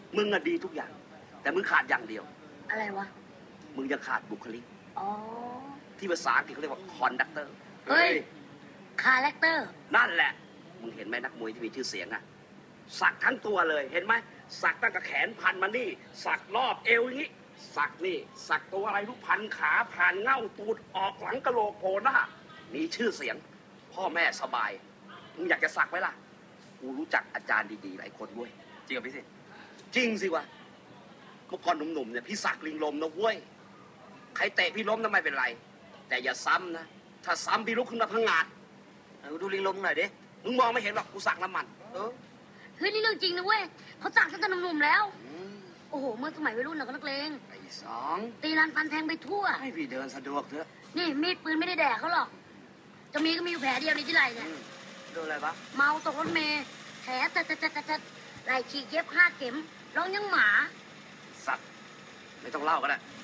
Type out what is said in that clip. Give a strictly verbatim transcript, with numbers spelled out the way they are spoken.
มึงอะดีทุกอย่าง แต่มึงขาดอย่างเดียวอะไรวะมึงยังขาดบุคลิกอ๋อที่ภาษาอังกฤษเขาเรียกว่าคอนดักเตอร์เฮ้ยคาแรคเตอร์นั่นแหละมึงเห็นไหมนักมวยที่มีชื่อเสียงอะสักทั้งตัวเลยเห็นไหมสักตั้งแต่แขนพันมานี่สักรอบเอวอย่างนี้สักนี่สักตัวอะไรทุกพันขาผ่านเง่าตูดออกหลังกะโหลกโผล่หน้ามีชื่อเสียงพ่อแม่สบายมึงอยากจะสักไหมล่ะกูรู้จักอาจารย์ดีๆหลายคนเว้ยจริงกับพี่สิจริงสิวะเมื่อก่อนหนุ่มๆเนี่ยพี่สักลิงลมนะเว้ยใครเตะพี่ล้มทำไมเป็นไรแต่อย่าซ้ำนะถ้าซ้ำพี่ลุกขึ้นมาพังงาดดูลิงลมหน่อยดิมึงมองไม่เห็นหรอกกูสักน้ำมันเออเฮ้ยนี่เรื่องจริงนะเว้ยเขาสักตั้งแต่หนุ่มๆแล้วโอ้โหเมื่อสมัยวัยรุ่นเราก็นักเลงไอ้สองตีรันฟันแทงไปทั่วให้พี่เดินสะดวกเถอะนี่มีดปืนไม่ได้แดกเขาหรอกจะมีก็มีอยู่แผลเดียวในที่ไหล่เนี่ยโดนอะไรปะเมาตกรถเมล์แผลจัดจัดจัดจัดไหล่ฉีกเย็บห้าเข็มร้องยังหมาสัตว์ไม่ต้องเล่าก็ได้